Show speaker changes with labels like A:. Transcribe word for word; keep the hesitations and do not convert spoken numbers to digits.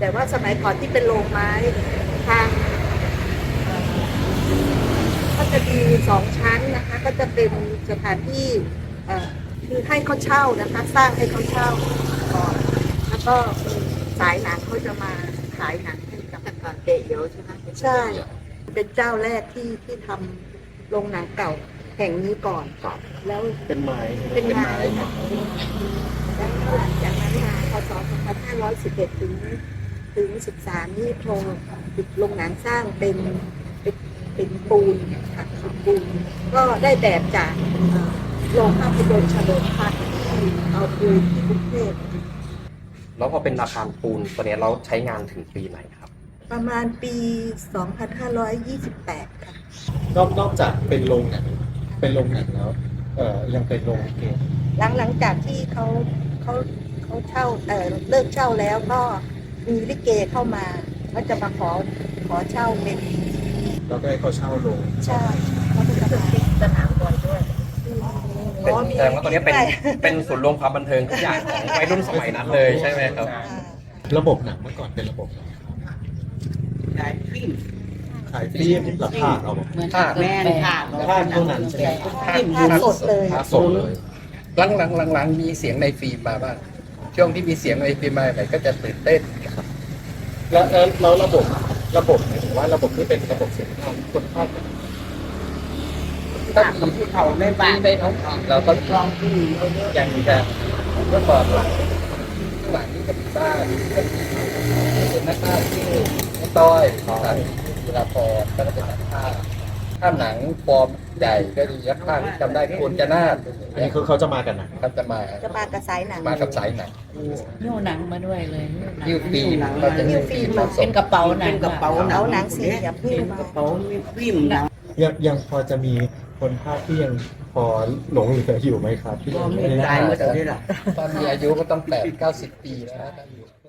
A: แต่ว่าสมัยก่อนที่เป็นโรงไม้ทางเอ่อก็จะมีสองชั้นนะคะ ก็จะเป็นสถานที่เอ่อคือให้เขาเช่านะคะ สร้างให้เขาเช่าก่อนแล้วก็มีสายหนังเขาจะมาขายหนังให้กับเตะเยอะใช่ไหมใช่ เป็นเจ้าแรกที่ที่ทำโรงหนังเก่าแห่งนี้ก่อนแล้ว
B: เป็นไม้
A: เป็นไม้ค่ะแล้วหลังจากนั้นมาพศสองพันห้าร้อยสิบเอ็ดถึงถึงสิบสามนี่โรงโรงหนังสร้างเป็นเป็นเป็นปูนค่ะเป็นปูนก็ได้แบบจากเอ่อโรงภาพยนตร์เฉลิมพระที่เอาปูนที่กรุงเทพ
C: แล้วพอเป็นอาคารปูนตัวเนี้ยเราใช้งานถึงปีไหนครับ
A: ประมาณปี สองพันห้าร้อยยี่สิบแปด ค่ะ
B: นอกนอกจากเป็นโรงหนังเป็นโรงหนังแล้วเอ่อยังเป็นโรงลิเก
A: หลังหลังจากที่เขาเขาเขาเช่าเออเลิกเช่าแล้วก็มีลิเกเข้ามาก็จะมาขอขอเช่าเป็น
B: แล้วก็ให้เขาเช่าโรง
A: ใช่เขาก็จะมาสนามบอลด้วย
C: เป็นแสดงว่าตัวเนี้ยเป็นเป็นศูนย์รวมความบันเทิงทุกอย่างของวัยรุ่นสมัยนั้นเลยใช่ไหมครับ
B: ระบบหนังเมื่อก่อนเป็นระบบไหน
D: ขายฟิล์ม
B: ขายฟิล์มราคาเอา
D: เหมือน
C: ค่ะ
D: แม่นค่ะ
B: ภาพเท่านั้นใช่ไหม
A: ภาพสดเลย
B: ภาพสดเลย
E: หลังหลังหลังหลังมีเสียงในฟิล์มมาบ้างช่วงที่มีเสียงในฟิล์มมาไหนก็จะตื่นเต้น
B: แล้วแล้วแล้วระบบระบบหมายถึงว่าระบบที่เป็นระบบเสียงภาพคนภาพ
D: ตามที่เขาในบ้าน
E: ในท้องถิ่นเราก็
D: ลองที่
E: ยังมีการเมื่อก่อนหลังหลังนี้ก็มีบ้านก็มีเป็นนักภาพที่ไม่ต้อยครับเวลาพอก็จะเป็นนักภาพถ้าหนังฟอร์มใหญ่ก็มีนักภาพที่จำได้คุณจะนาด
B: อันนี้คือเขาจะมากันนะ
E: เขาจะมา
A: จะมากับสายหนัง
E: มากับสายหนัง
D: หิ้วหนังมาด้วยเลย
E: ยิ้วฟิล์มเราจะ
A: ยิ้วฟิล์มมา
D: เป็นกระเป๋าหนัง
F: เป็นกระเป๋า
A: เอาหนังสีเหลี่ยม
F: เป็นกระเป๋ามีฟิล์มหนัง
B: ยังยังพอจะมีคนภาพที่ยังพอหลงเหลืออยู่ไหมครับที่
F: ก็
B: ยัง
F: มี
B: ไม่ได้
F: ตายหมดเลยล่ะ
E: ตอนมีอายุก็ต้องแปดเก้าสิบปีแล้วนะ